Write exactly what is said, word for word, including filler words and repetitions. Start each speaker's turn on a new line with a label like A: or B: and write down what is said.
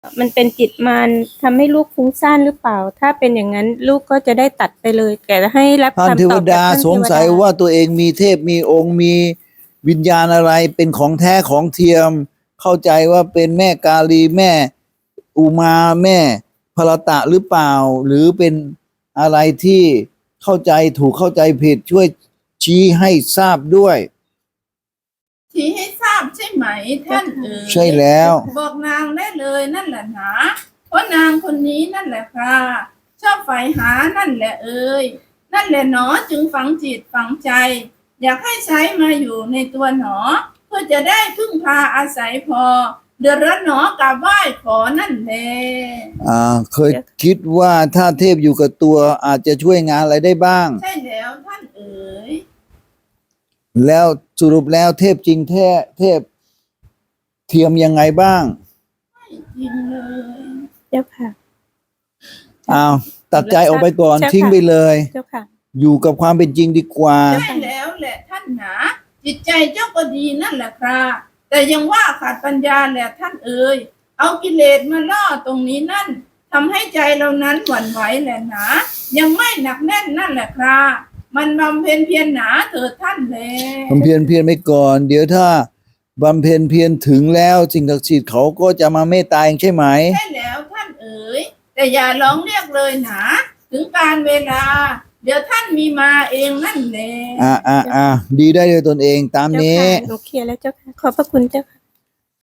A: มันเป็นจิตมารทำให้ลูกฟุ้งซ่านหรือเปล่าถ้าเป็นอย่างนั้นลูกก็จะได้ตัดไปเลยแต่ให้รับ
B: ท่าน
A: คำ
B: เท
A: ต
B: ว
A: อบ
B: ดา
A: จากท่าน
B: สงสัย
A: เทวด
B: ว่าตัวเองมีเทพมีองค์มีวิญญาณอะไรเป็นของแท้ของเทียม เข้าใจว่าเป็นแม่กาลีแม่อุมาแม่พรตะหรือเปล่า หรือเป็นอะไรที่เข้าใจถูกเข้าใจผิดช่วยชี้ให้ทราบด้วย
C: ชี้ให้ทราบใช่ไหมท่านเอ๋ย
B: ใช่แล้ว
C: บอกนางได้เลยนั่นแหละหนะเพราะนางคนนี้นั่นแหละค่ะชอบใฝ่หานั่นแหละเอ๋ยนั่นแหละหนอจึงฝังจิตฝังใจ อยากให้ใช้มาอยู่ในตัวหนอ เพื่อจะได้พึ่งพาอาศัยพอ เดือดร้อนหนอกราบไหว้ขอนั่นแหละ
B: อ่าเคยคิดว่าถ้าเทพอยู่กับตัวอาจจะช่วยงานอะไรได้บ้าง
C: ใช่แล้วท่านเอ๋ย
B: แล้วสรุปแล้วเทพจริงแท้เทพเทียมยังไงบ้าง
C: จริงเลย
A: เจ้าค่ะ
B: อ้าวตัดใจออกไปก่อน
A: เจ้าค่ะ
B: ทิ้งไปเลย
A: เจ้าค่ะ
B: อยู่กับความเป็นจริงดีกว่า
C: ใช่แล้วแหละท่านหนาจิตใจเจ้าก็ดีนั่นแหละครับแต่ยังว่าขาดปัญญาแหละท่านเอ๋ยเอากิเลสมาล่อตรงนี้นั่นทำให้ใจเรานั้นหวั่นไหวแหละหนายังไม่หนักแน่นนั่นแหละครับมันบำเพ็ญเพียรหนาเถิดท่านแล
B: บำเพ็ญเพียรไปก่อน เดี๋ยวถ้าบำเพ็ญเพียรถึงแล้วสิ่งศักดิ์สิทธิ์เขาก็จะมาเมตตาเองใช่ไหม
C: ใช่แล้วท่านเอ๋ยแต่อย่าร้องเรียกเลยหนาถึงการเวลา เดี๋ยวท่านมีมาเองนั่นแหละ
B: อ่าอ่าอ่าดีได้เลยตนเองตาม
A: เจ้า
B: นี้
A: ค่ะหนูเคลียร์แล้วเจ้าค่ะขอบพระคุณเจ้าค่ะ